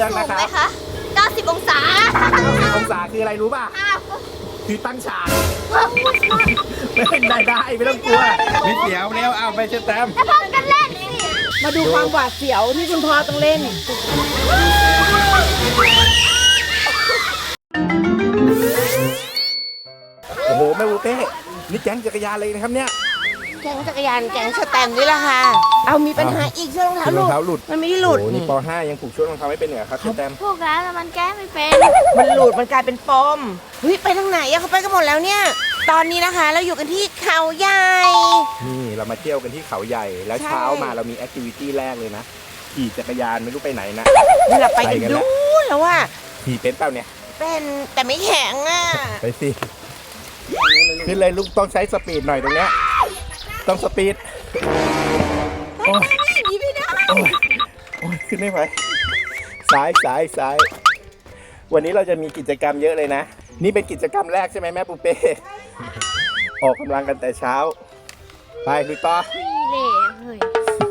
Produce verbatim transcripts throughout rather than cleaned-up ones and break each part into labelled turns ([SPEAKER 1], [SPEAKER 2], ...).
[SPEAKER 1] รื่องนะครับ
[SPEAKER 2] สูงไหมคะเก้าสิบองศา
[SPEAKER 1] องศาคืออะไรรู้ป่ะคือตั้งฉากไม่เป็นได้ได้ไม่ต้องกลัวไม่เสียวแล้วเอาไปเชิญแต้ม
[SPEAKER 2] แล้วพร้อมกันเล่นสิ
[SPEAKER 3] มาดูความหวาดเสียวที่คุณพ่อต้องเล่น
[SPEAKER 1] โอ้โหแม่บูเป้นี่แก๊งจักรยานเลยนะครับเนี่ย
[SPEAKER 3] แก๊งจักรยานแก๊งสแตมนี่แหละค่ะ เอามีปัญหาอีกเชือกรองเท้าร
[SPEAKER 1] องเท้าหลุด
[SPEAKER 3] มันไม่ได้หลุด
[SPEAKER 1] โอ้โนี่ป .ห้า ยังผูกชุดรองเท้าไม่เป็นเหรอครับเชิญแต้ม
[SPEAKER 2] พวกเราน่ะมันแก้ไม่เป็น
[SPEAKER 3] มันหลุดมันกลายเป็นปมเฮ้ยไปทางไหนอะเขาไปกันหมดแล้วเนี่ย ตอนนี้นะคะเราอยู่กันที่เขาใหญ่
[SPEAKER 1] นี่เรามาเที่ยวกันที่เขาใหญ่แล้ว
[SPEAKER 3] ใช่
[SPEAKER 1] เช้ามาเรามีแอคทิวิตี้แรกเลยนะขี่จักรยานไม่รู้ไปไหนนะ
[SPEAKER 3] นี่เราไปกัน
[SPEAKER 1] ไปกันแล้ว
[SPEAKER 3] ดูแล้วว่า
[SPEAKER 1] ขี่เป็นเปล่าเนี่ย
[SPEAKER 3] เป็นแต่ไม่แข็งอะ
[SPEAKER 1] ไปสิขึ้นเลยลูกต้องใช้สปีดหน่อยตรงเนี้ยต้องสปีดโอ้ย
[SPEAKER 3] หนีไม่ได้
[SPEAKER 1] โอ้ยโอ้ยขึ้นไม่ไหวซ้ายซ้ายซ้ายวันนี้เราจะมีกิจกรรมเยอะเลยนะนี่เป็นกิจกรรมแรกใช่ไหมแม่ปูเป้ออกกำลังกันแต่เช้าไปลุยต่อ
[SPEAKER 2] เล่เฮ้ย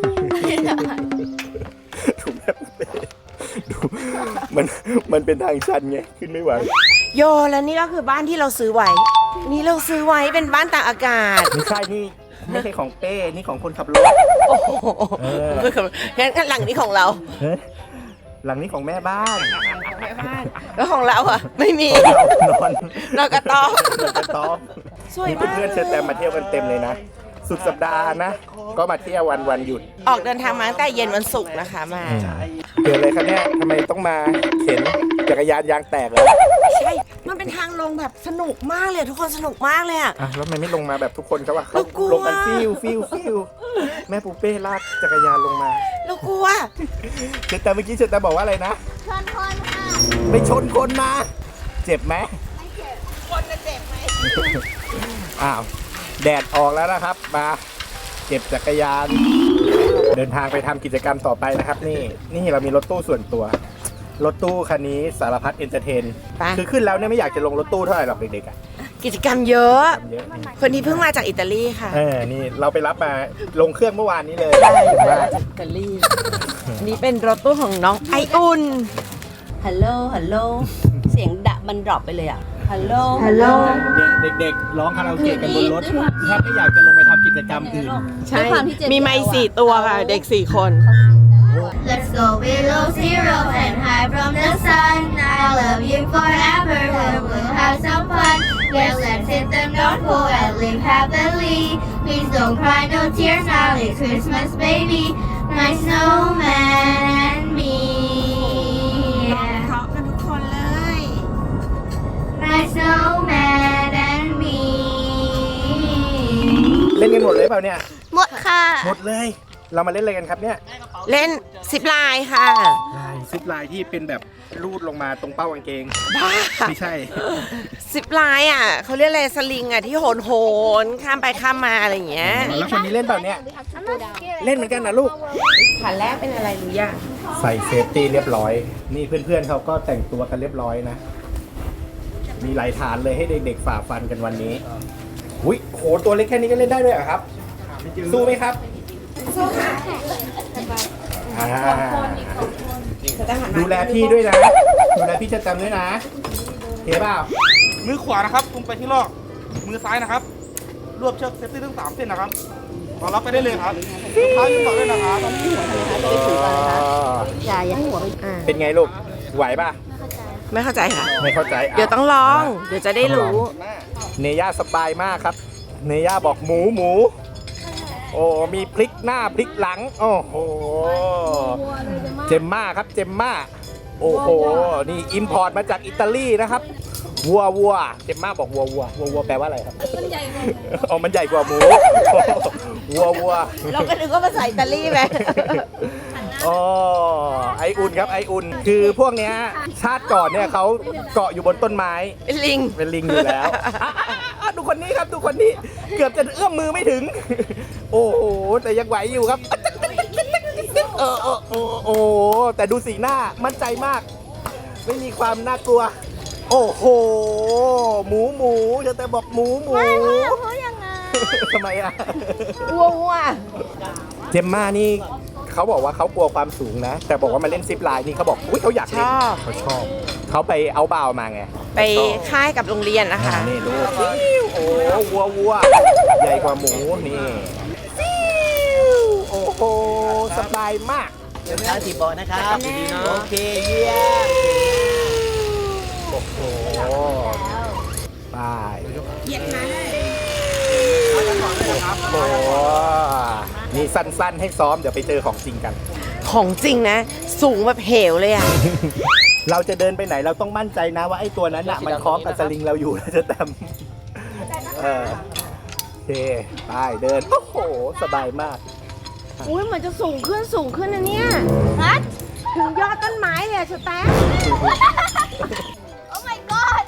[SPEAKER 1] ดูแม่ปูเป้ดูมันมันเป็นทางชันไงขึ้นไม่ไหว
[SPEAKER 3] โยแล้วนี่ก็คือบ้านที่เราซื้อไว้ นี่เราซื้อไว้เป็นบ้านตากอากาศ
[SPEAKER 1] ไม่ใช่นี่ไม่ใช่ของเป้นี่ของคนขับรถ
[SPEAKER 3] โอ้โห
[SPEAKER 1] เออ
[SPEAKER 3] งั้นหลังนี้ของเรา
[SPEAKER 1] เฮ้ยหลังนี้ของแม่บ้าน
[SPEAKER 3] แม่บ้านแล้วของเราอะไม่มี
[SPEAKER 1] เรานอน
[SPEAKER 3] เรากระต๊อบ
[SPEAKER 1] กระต๊อบ
[SPEAKER 3] สวย
[SPEAKER 1] นี่
[SPEAKER 3] มาก
[SPEAKER 1] เพื่อนๆเชิญแต่มาเที่ยวกันเต็มเลยนะ สุดสัปดาห์นะ ก็มาเที่ยววันวันหยุด
[SPEAKER 3] ออกเดินทางมาตั้งแต่เย็นวันศุกร์นะคะมา
[SPEAKER 1] เกิดอะไรครับเนี่ยทำไมต้องมาเข็นจักรยานยางแตกเลย
[SPEAKER 3] ใช่ มันเป็นทางลงแบบสนุกมากเลยทุกคนสนุกมากเลยอะ
[SPEAKER 1] อ่ะแล้วทำไมไม่ลงมาแบบทุกคนเขาว่าเขา
[SPEAKER 3] เรากลัว
[SPEAKER 1] ลงกันฟิวฟิวฟิวแม่ปูเป้ลากจักรยานลงมา
[SPEAKER 3] เรากลัว
[SPEAKER 1] เชิญแต่เมื่อกี้เชิญแต่บอกว่าอะไรนะ
[SPEAKER 2] ชนคนค่ะ
[SPEAKER 1] ไปชนคนมา เจ็บไหม
[SPEAKER 3] คนจะเจ็บไหม
[SPEAKER 1] อ้าวแดดออกแล้วนะครับ มาเก็บจักรยาน เดินทางไปทำกิจกรรมต่อไปนะครับ นี่นี่เรามีรถตู้ส่วนตัว รถตู้คันนี้สารพัดเอนเตอร์เทน
[SPEAKER 3] ไป
[SPEAKER 1] คือขึ้นแล้วเนี่ยไม่อยากจะลงรถตู้เท่าไหร่หรอกเด็กๆอ่ะ
[SPEAKER 3] กิจกรรมเยอะ
[SPEAKER 1] ทำเยอะ
[SPEAKER 3] คนนี้เพิ่งมาจากอิตาลีค่ะ
[SPEAKER 1] เออนี่เราไปรับมาลงเครื่องเมื่อวานนี้เลย
[SPEAKER 3] ได้
[SPEAKER 1] ถึง
[SPEAKER 3] มา
[SPEAKER 1] ว่า
[SPEAKER 3] จากอิตาลีนี่เป็นรถตู้ของน้องไออุ่น
[SPEAKER 4] ฮัลโหล ฮัลโหล เสียงดะมันดรอปไปเลยอ่ะ ฮัลโหล
[SPEAKER 3] ฮัลโหล
[SPEAKER 1] เด็กๆร้องคาราโอเกะกันบนรถแทบไม่อยากจะลงไปทำกิจกรรมอื่น
[SPEAKER 3] ใช่ มีไม้สี่ตัวค่ะ เด็กสี่คน
[SPEAKER 2] Let's go below zero and hide from the sun. I love you forever. We'll have some fun. Yeah, let's hit the North Pole and live happily. Please don't cry, no tears now. It's Christmas, baby. My snowman and me.
[SPEAKER 3] เพราะกันทุกคนเลย
[SPEAKER 2] My snowman and me.
[SPEAKER 1] เล่นกันหมดเลยเปล่าเนี่ย
[SPEAKER 2] หมดค่ะ
[SPEAKER 1] หมดเลย เรามาเล่นอะไรกันครับเนี่ย
[SPEAKER 3] เล่นซิปไลน์ค่ะ
[SPEAKER 1] ลายซิปลายที่เป็นแบบลูดลงมาตรงเป้ากางเกง
[SPEAKER 3] บ้า
[SPEAKER 1] ไม่ใช่
[SPEAKER 3] ซิปไลน์อ่ะเขาเรียกอะไรสลิงอ่ะที่โหนโหนข้ามไปข้ามมาอะไรอย่างเงี้ย
[SPEAKER 1] แล้วคนนี้เล่นเปล่าเนี่ย เล่นเหมือนกันนะลูก
[SPEAKER 3] ขาแรกเป็นอะไรรู้ยัง
[SPEAKER 1] ใส่เซฟตี้เรียบร้อย นี่เพื่อนๆเขาก็แต่งตัวกันเรียบร้อยนะ มีหลายฐานเลยให้เด็กๆฝ่าฟันกันวันนี้ อุ้ยโหตัวเล็กแค่นี้ก็เล่นได้ด้วยเหรอครับ สู้ไหมครับ สู้ค่ะดูแลพี่ด้วยนะ ดูแลพี่จะจำด้วยนะเห็นเปล่า
[SPEAKER 5] มือขวานะครับตรงไปที่ลอก มือซ้ายนะครับ รวบเชือกเซฟตี้ทั้งสามเส้นนะครับรอรับไปได้เลยครับเท้ายืนต่อได้นะครับ
[SPEAKER 3] อย่าอย่าให้หัวไปอ่า
[SPEAKER 1] เป็นไงลูก ไหวป่ะ
[SPEAKER 3] ไม่เข้าใจค่ะ
[SPEAKER 1] ไม่เข้าใจ
[SPEAKER 3] เดี๋ยวต้องลอง เดี๋ยวจะได้รู้
[SPEAKER 1] เนย่าสบายมากครับ เนย่าบอกหมูหมู โอ้ มีพลิกหน้าพลิกหลัง โอ้โห เจมม่าครับ เจมม่า โอ้โห นี่อิมพอร์ตมาจากอิตาลีนะครับ วัววัว เจมม่าบอกวัววัววัววัวแปลว่าอะไรครับ มันใหญ่กว่าอ๋อ มันใหญ่กว่าหมู วัววัว
[SPEAKER 3] เราก็นึกว่าภาษาอิตาลีไหม
[SPEAKER 1] อ๋อ ไออุ่นครับ ไออุ่น คือพวกเนี้ยชาติก่อนเนี่ยเขาเกาะอยู่บนต้นไม้
[SPEAKER 3] เป็นลิง
[SPEAKER 1] เป็นลิงอยู่แล้ว อ่ะดูคนนี้ครับดูคนนี้ เกือบจะเอื้อมมือไม่ถึง โอ้โห แต่ยังไหวอยู่ครับ เออเออโอ้โหแต่ดูสีหน้ามั่นใจมาก ไม่มีความน่ากลัว โอ้โห หมูหมูจะแต่บอกหมูหมู
[SPEAKER 2] ไม่เขาอยากพูดยังไง
[SPEAKER 1] ทำไมอ่ะ
[SPEAKER 3] วัววัว
[SPEAKER 1] เจมม่านี่เขเขาบอกว่าเขากลัวความสูงนะ แต่บอกว่ามาเล่นซิปไลน์นี่เขาบอกอุ้ยเขาอยาก
[SPEAKER 3] ช
[SPEAKER 1] เล่น
[SPEAKER 3] อบ
[SPEAKER 1] เขาชอบเขาไปเอาบ่าวมาไง
[SPEAKER 3] ไปค่ายกับโรงเรียนนะคะ
[SPEAKER 1] อ่านี่ดูฟิวโอ้วัววัวใหญ่กว่าหมูนี่ฟิวโอ้โหสบายมาก
[SPEAKER 6] เดินทางที่เบาะนะครับดีเนาะโอเคเยี่ยม
[SPEAKER 1] โอ้โหไป
[SPEAKER 3] เหยียดขาเลย
[SPEAKER 1] โอ้โหนี่สั้นๆให้ซ้อมเดี๋ยวไปเจอของจริงกัน
[SPEAKER 3] ของจริงนะ สูงแบบเหวเลยอ่ะ
[SPEAKER 1] เราจะเดินไปไหนเราต้องมั่นใจนะว่าไอ้ตัวนั้นน่ะมันคล้องกับสลิงเราอยู่นะจะแตมเออโอเคไปเดินโอ้โหสบายมาก
[SPEAKER 3] อุ้ยเหมือนจะสูงขึ้นสูงขึ้นนะเนี่ยถึงยอดต้นไม้เลยอะสแตม
[SPEAKER 2] Oh my god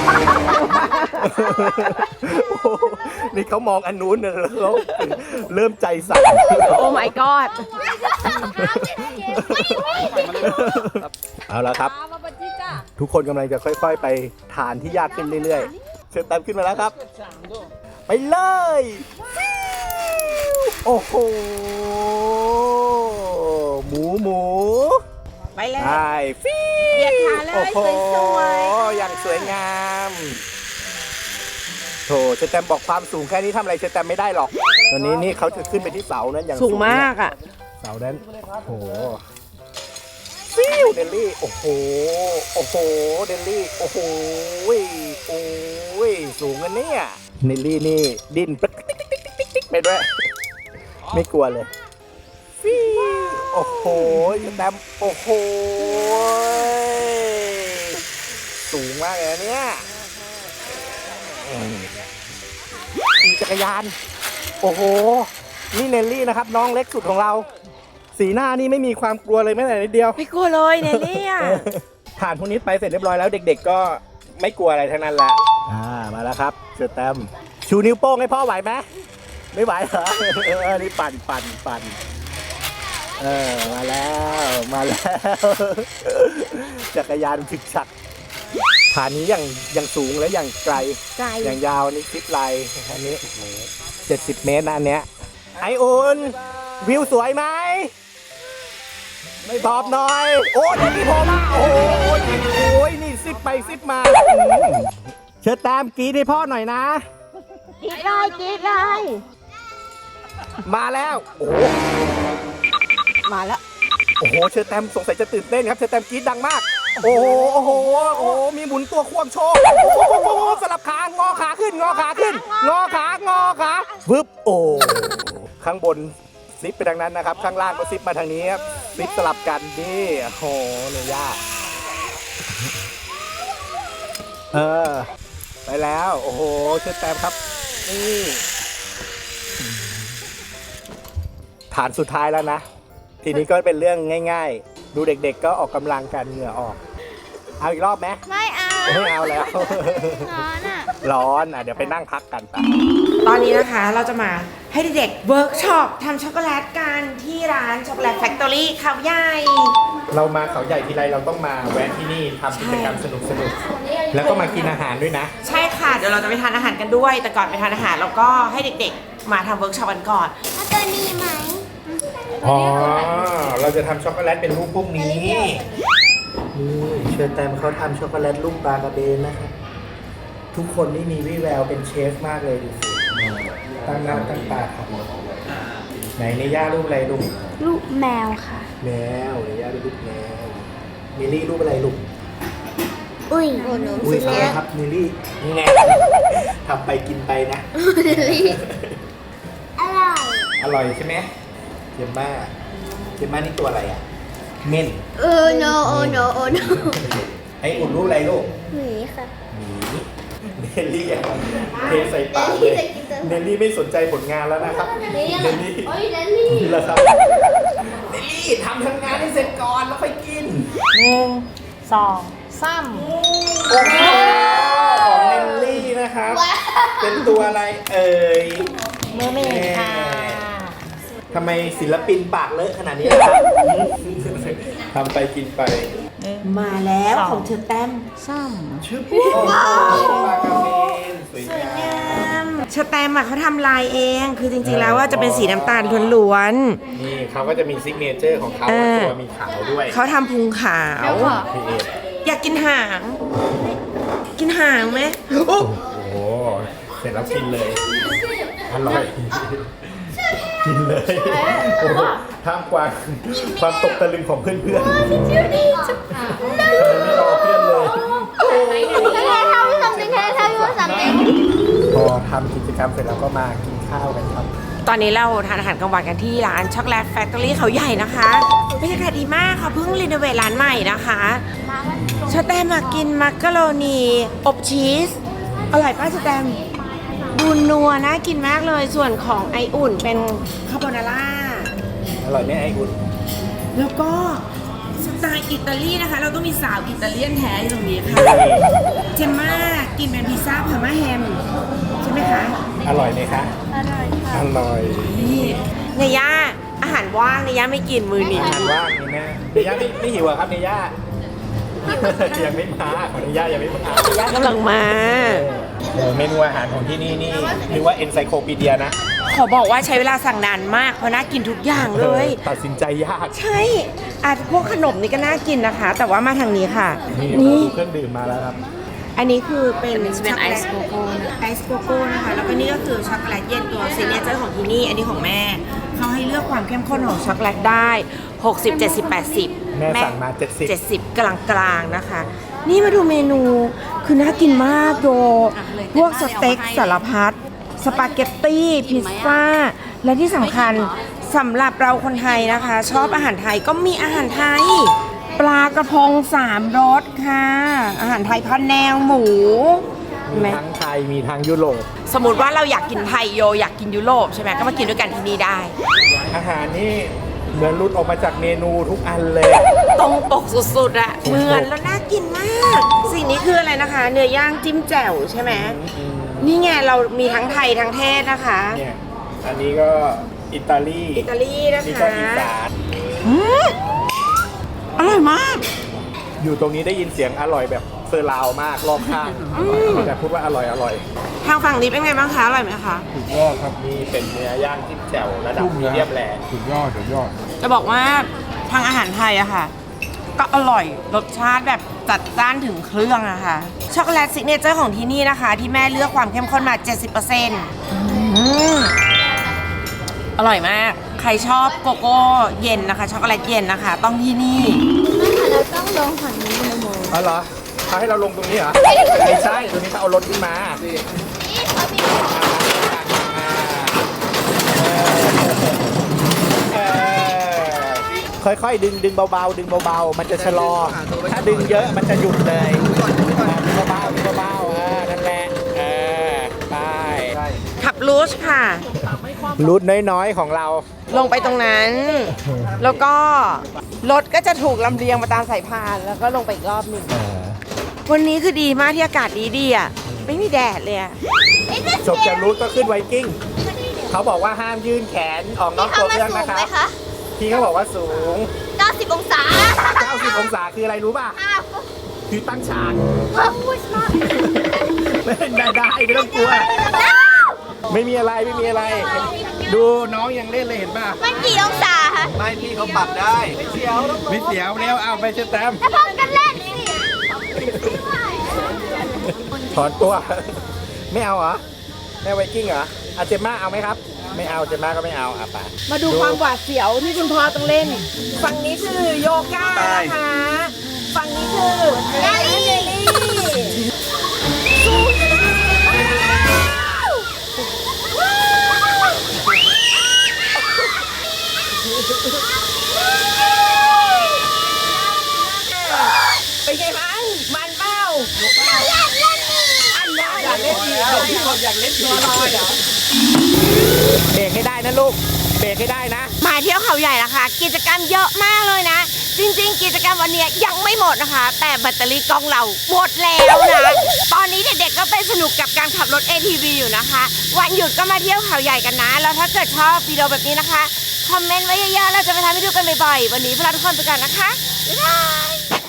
[SPEAKER 1] นี่เขามองอันนู้นนะแล้วเขาเริ่มใจสั่น
[SPEAKER 3] โอ้ my god
[SPEAKER 1] เอาละครับ ทุกคนกำลังจะค่อยๆ ไปฐานที่ยากขึ้นเรื่อยๆ เชิญแตมขึ้นมาแล้วครับ ไปเลย โอ้โห หมูหมู
[SPEAKER 3] ไปเลย
[SPEAKER 1] ใช่ฟิ
[SPEAKER 3] เหยียดขาเลย
[SPEAKER 1] โอ้โห
[SPEAKER 3] สวยๆ
[SPEAKER 1] อย่างสวยงามโถเชอแตมบอกความสูงแค่นี้ทำอะไรเชอแตมไม่ได้หรอกตอนนี้นี่เขาจะขึ้นไปที่เสานั้นอย่าง
[SPEAKER 3] สูงมากอ่ะ
[SPEAKER 1] เสานั้นโอ้โหฟิวเดลลี่โอ้โหโอ้โหเดลลี่โอ้โหโอ้ยสูงกันเนี่ยเดลลี่นี่ดิ้นปิ๊กปิ๊กปิ๊กปิ๊กปิ๊กไปด้วยไม่กลัวเลยฟิวโอ้โหเชอแตมโอ้โหสูงมากเลยเนี่ยขี่จักรยานโอ้โหนี่เนลลี่นะครับน้องเล็กสุดของเราสีหน้านี่ไม่มีความกลัวเลยแม้แต่นิดเดียว
[SPEAKER 3] ไม่กลัวเลยเนี่ยเนี่ย
[SPEAKER 1] ผ่านพวกนี้ไปเสร็จเรียบร้อยแล้วเด็กๆก็ไม่กลัวอะไรทั้งนั้นแหละอ่ามาแล้วครับเสือแตมชูนิ้วโป้งให้พ่อไหวไหมไม่ไหวเหรอเออนี่ปั่นปั่นปั่นเออมาแล้วมาแล้วจักรยานฉึกฉักฐานนี้อย่างอย่างสูงและอย่างไกล
[SPEAKER 3] ไกล
[SPEAKER 1] อย่างยาวนี่ซิปไลน์อันนี้เจ็ดสิบเมตรนะอันเนี้ยไออุ่นวิวสวยไหมไม่ตอบหน่อย โอ้ยนี่โผล่มาโอ้ยโอ้ยนี่ซิปไปซิปมาเชิญตามกรีดให้พ่อหน่อยนะ
[SPEAKER 3] กรีดเลยกรีดเลย
[SPEAKER 1] มาแล้วโอ้
[SPEAKER 3] มาแล้ว
[SPEAKER 1] โอ้โหเชิญแตมสงสัยจะตื่นเต้นครับเชิญแตมกรีดดังมากโอ้โหโอ้โหโอ้โหมีหมุนตัวควงโชว์โอ้โหสลับขางอขาขึ้นงอขาขึ้นงอขางอขาวึบโอ้ข้างบนซิปไปทางนั้นนะครับข้างล่างก็ซิปมาทางนี้ครับซิปสลับกันนี่โอ้โหเลยยากเออไปแล้วโอ้โหเชิญแตมครับนี่ฐานสุดท้ายแล้วนะทีนี้ก็เป็นเรื่องง่ายๆดูเด็กๆก็ออกกำลังกันเหงื่อออกเอาอีกรอบไหม
[SPEAKER 2] ไม่เอา
[SPEAKER 1] ไม่เอาแล้ว
[SPEAKER 2] ร้อนอ่ะ
[SPEAKER 1] ร้อนอ่ะเดี๋ยวไปนั่งพักกันไป
[SPEAKER 3] ตอนนี้นะคะเราจะมาให้เด็กๆเวิร์กช็อปทำช็อกโกแลตกันที่ร้านช็อกโกแลตแฟคทอรี่เขาใหญ่
[SPEAKER 1] เรามาเขาใหญ่ทีไรเราต้องมาแวะที่นี่ทำกิจกรรมสนุกๆแล้วก็มากินอาหารด้วยนะ
[SPEAKER 3] ใช่ค่ะ เดี๋ยวเราจะไปทานอาหารกันด้วย แต่ก่อนไปทานอาหารเราก็ให้เด็กๆ มาทำเวิร์กช็อปกันก่อน
[SPEAKER 2] เอาตัวนี้ไหม
[SPEAKER 1] อ๋อเราจะทำช็อกโกแลตเป็นรูปพวกนี้นี่เชิญแตมเขาทำช็อกโกแลตรูปปลากระเบนนะครับทุกคนนี่มีวี่แววเป็นเชฟมากเลยดูสิตั้งหน้าตั้งตาทำไหนในย่ารูปอะไรลูก
[SPEAKER 2] ลูกแมวค่ะ
[SPEAKER 1] แมวในย่ารูปแมวมิลลี่รูปอะไรลูก
[SPEAKER 2] อุ้ยโอ้โห
[SPEAKER 1] อุ้ยเอาละครับมิลลี่นี่ไงทำไปกินไปนะ
[SPEAKER 2] อร่อย
[SPEAKER 1] อร่อยใช่ไหมเจมม่าเจมม่านี่ตัวอะไรอ่ะเม่น
[SPEAKER 2] เออ no โอ้ no โอ้ no
[SPEAKER 1] ไอ้อุ่นรูปอะไรลูก
[SPEAKER 2] หมีค่ะ
[SPEAKER 1] หมีเนลลี่อะเทใส่ปากเลยเนลลี่ไม่สนใจผลงานแล้วนะครับเนลลี่
[SPEAKER 2] โอ้ยเดลลี่
[SPEAKER 1] นี่แหละครับเนลลี่ทำทำงานให้เสร็จก่อนแล้วค่อยกิน
[SPEAKER 3] หนึ่งสองสาม
[SPEAKER 1] โอ้โหของเนลลี่นะครับ เป็นตัวอะไรเอ่ย
[SPEAKER 3] เมอร์เมดค่ะ
[SPEAKER 1] ทำไมศิลปินปากเลอะขนาดนี้นะครับทำไปกินไป
[SPEAKER 3] มาแล้วของเธอแต้ม
[SPEAKER 1] ชื่อโอ้โหปลากระเบนสวยงาม
[SPEAKER 3] สแตมป์อะเขาทำลายเอง คือจริงๆแล้วว่าจะเป็นสีน้ำตาลล้วน
[SPEAKER 1] นี่เขาก็จะมีซิกเนเจอร์ของเขา
[SPEAKER 3] เออ
[SPEAKER 1] ตัวมีขาวด้วย
[SPEAKER 3] ๆเขาทำพุงขาว
[SPEAKER 1] พี่เอ
[SPEAKER 3] อยากกินหาง กินหางไหมโอ้
[SPEAKER 1] โอ้โหเสร็จแล้วกินเลยอร่อยกินเลยโอ้โหท่ามกลางความตกตะลึงของเพื่อนๆไม่รอเพื่อนเลย
[SPEAKER 2] Can I tell you something? Can I tell you something?
[SPEAKER 1] พอทำกิจกรรมเสร็จแล้วก็มากินข้าวกันครับ
[SPEAKER 3] ตอนนี้เราทานอาหารกลางวันกันที่ร้านช็อกโกแลตแฟคทอรี่เขาใหญ่นะคะบรรยากาศดีมากค่ะเพิ่งรีโนเวทร้านใหม่นะคะสแตมมากินมักกะโรนีอบชีสอร่อยป้าสแตมดูนัวน่ากินมากเลยส่วนของไออุ่นเป็นคาโบนาร่า
[SPEAKER 1] อร่อยไหมไอ้คุณ
[SPEAKER 3] แล้วก็สไตล์อิตาลีนะคะ เราต้องมีสาวอิตาเลียนแท้อยู่ตรงนี้ค่ะเจมม่ากินเป็นพิซซ่าพาร์มาแฮมใช่ไหมคะ
[SPEAKER 1] อร่อยไหมคะอร่อยค่ะอร่อย
[SPEAKER 3] นี่เนย่าอาหารว่างเนย่าไม่กินมือนี้
[SPEAKER 1] อาหารว่างนี่แม่เนย่าไม่ไม่หิวเหรอครับเนย่า ยังไม่มาของเนย่ายังไม่มา
[SPEAKER 3] เนย่ากำลังมา
[SPEAKER 1] เออเมนูอาหารของที่นี่นี่เรียกว่าเอนไซโคปีเดียนะ
[SPEAKER 3] ขอบอกว่าใช้เวลาสั่งนานมากเพราะน่ากินทุกอย่างเลย
[SPEAKER 1] ตัดสินใจยาก
[SPEAKER 3] ใช่อาจพวกขนมนี่ก็น่ากินนะคะ แต่ว่ามาทางนี้ค่ะ
[SPEAKER 1] นี่
[SPEAKER 3] นี่
[SPEAKER 1] ดูเครื่องดื่มมาแล้วครับ
[SPEAKER 3] อันนี้คือเป็นเป็นไอซ์โกโก้ไอซ์โกโก้นะคะแล้วก็นี่ก็คือช็อกโกแลตเย็นตัวซิกเนเจอร์ของที่นี่อันนี้ของแม่เขาให้เลือกความเข้มข้นของช็อกโกแลตได้หกสิบ เจ็ดสิบ แปดสิบ
[SPEAKER 1] แม่สั่งมาเจ็ดสิบ
[SPEAKER 3] เจ็ดสิบกลางกลางๆนะคะ นี่มาดูเมนูคือน่ากินมากโดพวกสเต็กสารพัดสปาเกตตี้พิซซ่าและที่สำคัญสำหรับเราคนไทยนะคะ ชอบอาหารไทยก็มีอาหารไทย ปลากระพงสามรสค่ะ อาหารไทยพันแนวหมูเห็นไห
[SPEAKER 1] มี
[SPEAKER 3] ม
[SPEAKER 1] ทั้งไทยมีทั้งยุโรป
[SPEAKER 3] สมมติว่าเราอยากกินไทยโยอยากกินยุโรปใช่ไหมก็มากินด้วยกันที่นี่ได้
[SPEAKER 1] อาหารนี่เหมือนรุดออกมาจากเมนูทุกอันเลย
[SPEAKER 3] ตรงปกสุดๆอะเหมือนแล้วน่ากินมาก สิ่งนี้คืออะไรนะคะ เนื้อย่างจิ้มแจ่วใช่ไหมนี่ไงเรามีทั้งไทยทั้งเทศนะคะ
[SPEAKER 1] เนี่ยอันนี้ก็อิตาลี
[SPEAKER 3] อิตาลีนะ
[SPEAKER 1] นี่
[SPEAKER 3] คะ
[SPEAKER 1] ก็อีสาน
[SPEAKER 3] อืมอร่อยมาก
[SPEAKER 1] อยู่ตรงนี้ได้ยินเสียงอร่อยแบบเซอร์ราวมากรอบข้างแต่พูดว่าอร่อยอร่อย
[SPEAKER 3] ทางฝั่งนี้เป็นไงบ้างคะอร่อยไหมคะ
[SPEAKER 1] สุดยอดครับนี่เป็นเนื้อย่างจิ้มแจ่วระดับมีเดียมแรร์
[SPEAKER 6] สุดยอดสุดยอด
[SPEAKER 3] จะบอกว่าทางอาหารไทยอะค่ะ ก็อร่อยรสชาติแบบจัดจ้านถึงเครื่องอะค่ะช็อกโกแลตซิกเนเจอร์ของที่นี่นะคะ ที่แม่เลือกความเข้มข้นมา เจ็ดสิบเปอร์เซ็นต์ อร่อยมาก ใครชอบโกโก้เย็นนะคะ ช็อกโกแลตเย็นนะคะ ต้องที่นี่
[SPEAKER 2] เราต้องลงฝั่งนี้เลยโม
[SPEAKER 1] อ๋อเหรอเขาให้เราลงตรงนี้เหรอ ไม่ใช่ตรงนี้เขาเอารถขึ้นมา
[SPEAKER 2] นี่เขามี
[SPEAKER 1] เออค่อยๆดึงดึงเบาๆดึงเบาๆมันจะชะลอ ถ้าดึงเยอะมันจะหยุดเลยดึงเบาๆดึงเบาๆเออนั่นแหละเออไป
[SPEAKER 3] ขับลูชค่ะ
[SPEAKER 1] รูทน้อยๆของเรา
[SPEAKER 3] ลงไปตรงนั้น แล้วก็รถก็จะถูกลำเลียงมาตามสายพาน แล้วก็ลงไปอีกรอบหนึ่ง วันนี้คือดีมากที่อากาศดีดีๆอ่ะ ไม่มีแดดเลยอะ
[SPEAKER 1] จบจากรูทก็ขึ้นไวกิ้ง เขาบอกว่าห้ามยื่นแขนออกนอกตัวเครื่องนะครับ พี่เขาบอกว่าสูง
[SPEAKER 2] เก้าสิบองศา
[SPEAKER 1] เก้าสิบองศาคืออะไรรู้ป่ะ
[SPEAKER 2] อ้าว
[SPEAKER 1] คือตั้งฉาก
[SPEAKER 2] พูดมาก
[SPEAKER 1] ไม่ได้ได้ไม่ต้องกลัว ไม่มีอะไรไม่มีอะไร ดูน้องยังเล่นเลยเห็นป่ะ
[SPEAKER 2] มันกี่องศาคะ
[SPEAKER 6] ไม่พี่เขาปรับได้
[SPEAKER 1] ไม่เสียวไม่เสียวเร็วเอาไปเชตแตม
[SPEAKER 2] แล้วพร้อมกันเล่นสิ
[SPEAKER 1] ถอนตัว ไม่เอาเหรอแม่ไวกิ้งเหรออาเจมม่าเอาไหมครับ ไม่เอาเจมม่าก็ไม่เอาอ่ะไป
[SPEAKER 3] มาดูความหวาดเสียวที่คุณพ่อต้องเล่น ฝั่งนี้คือโยคะนะคะ ฝั่งนี้คือ
[SPEAKER 2] เจลลี่
[SPEAKER 3] เป็นไงบ้างมันเป้าอันนั้นอยากเล่นอีกพี่บอกอยากเล่นตัวลอยเหรอ
[SPEAKER 1] เบรกให้ได้นะลูก เบรกให้ได้นะ
[SPEAKER 3] มาเที่ยวเขาใหญ่ละค่ะ กิจกรรมเยอะมากเลยนะ จริงๆ กิจกรรมวันนี้ยังไม่หมดนะคะ แต่แบตเตอรี่กล้องเราหมดแล้วนะ ตอนนี้เด็กๆก็ไปสนุกกับการขับรถ เอ ที วี อยู่นะคะ วันหยุดก็มาเที่ยวเขาใหญ่กันนะ แล้วถ้าเกิดชอบวิดีโอแบบนี้นะคะ คอมเมนต์ไว้เยอะๆเราจะไปทำให้ดูกันบ่อยๆ วันนี้พวกเราทุกคนไปกันนะคะ บ๊ายบาย